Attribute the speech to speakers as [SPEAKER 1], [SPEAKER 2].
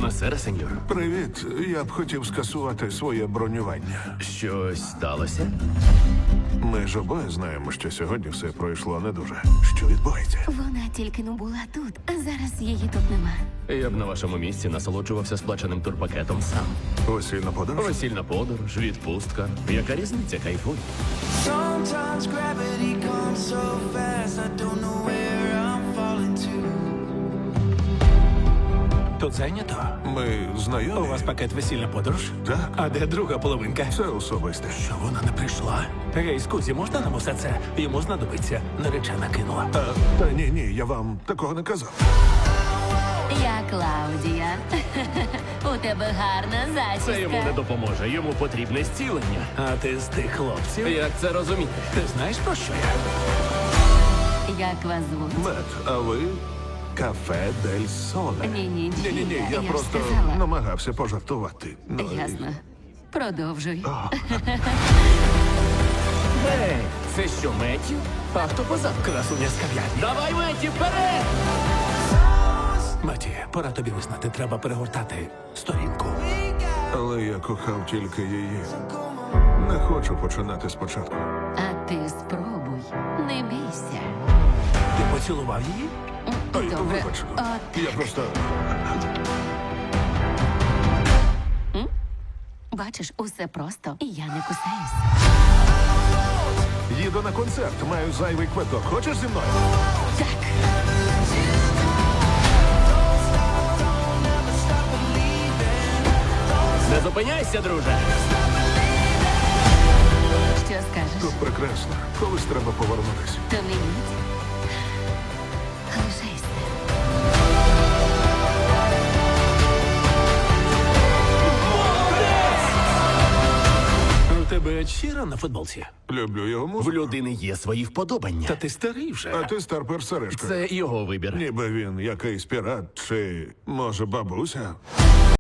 [SPEAKER 1] Бонасера, сеньор.
[SPEAKER 2] Привіт. Я б хотів скасувати своє бронювання.
[SPEAKER 1] Щось сталося?
[SPEAKER 2] Ми ж обоє знаємо, що сьогодні все пройшло не дуже. Що відбувається?
[SPEAKER 3] Вона тільки не була тут, а зараз її тут нема.
[SPEAKER 1] Я б на вашому місці насолоджувався сплаченим турпакетом сам.
[SPEAKER 2] Весільна подорож?
[SPEAKER 1] Весільна подорож, відпустка. Яка різниця, кайфуй.
[SPEAKER 4] Sometimes gravity comes so fast, I don't know where I'm falling to.
[SPEAKER 5] Тут зайнято?
[SPEAKER 2] Ми
[SPEAKER 5] У
[SPEAKER 2] знайомі?
[SPEAKER 5] вас пакет весільна подорож?
[SPEAKER 2] Так.
[SPEAKER 5] А де друга половинка?
[SPEAKER 2] Це особисте.
[SPEAKER 5] Що вона не прийшла? Гей, скузі, можна нам усе це? Йому знадобиться. Наречена кинула.
[SPEAKER 2] Та ні, я вам такого не казав.
[SPEAKER 3] Я Клаудія. У тебе гарна
[SPEAKER 1] Це йому не
[SPEAKER 3] зачіска.
[SPEAKER 1] допоможе. Йому потрібне зцілення.
[SPEAKER 5] А ти з тих хлопців?
[SPEAKER 1] Як це розуміти?
[SPEAKER 5] Ти знаєш про що я?
[SPEAKER 3] Як вас звуть?
[SPEAKER 2] Мет, а ви кафе Дель Соле.
[SPEAKER 3] Ні,
[SPEAKER 2] Ні, я
[SPEAKER 3] ж
[SPEAKER 2] просто
[SPEAKER 3] сказала.
[SPEAKER 2] намагався пожартувати. Ну, і-
[SPEAKER 3] Ясно. Продовжуй.
[SPEAKER 1] Ей, це що, Меттю? А хто позаду?
[SPEAKER 5] Красуня з кав'ярні.
[SPEAKER 1] Давай, Меттю, вперед!
[SPEAKER 5] Маті, пора тобі визнати, треба перегортати сторінку.
[SPEAKER 2] Але я кохав тільки її. Не хочу починати спочатку.
[SPEAKER 3] А ти спробуй. Не бійся.
[SPEAKER 5] Ти поцілував її?
[SPEAKER 2] Ой,
[SPEAKER 3] Добре.
[SPEAKER 2] вибач.
[SPEAKER 3] От.
[SPEAKER 2] Я просто...
[SPEAKER 3] Бачиш, усе просто, і я не кусаюсь.
[SPEAKER 2] Їду на концерт, маю зайвий квиток. Хочеш зі мною?
[SPEAKER 3] Так.
[SPEAKER 1] Не зупиняйся, друже!
[SPEAKER 3] Що скажеш?
[SPEAKER 2] Тут прекрасно. Колись треба повернутися.
[SPEAKER 3] То не йдіть. Лишайся.
[SPEAKER 5] У тебе щира на футболці?
[SPEAKER 2] Люблю його
[SPEAKER 1] В
[SPEAKER 2] музику.
[SPEAKER 1] людини є свої вподобання.
[SPEAKER 5] Та ти старий вже.
[SPEAKER 2] А ти старпер Сережка.
[SPEAKER 1] Це його вибір.
[SPEAKER 2] Ніби він якийсь пірат чи, може, бабуся.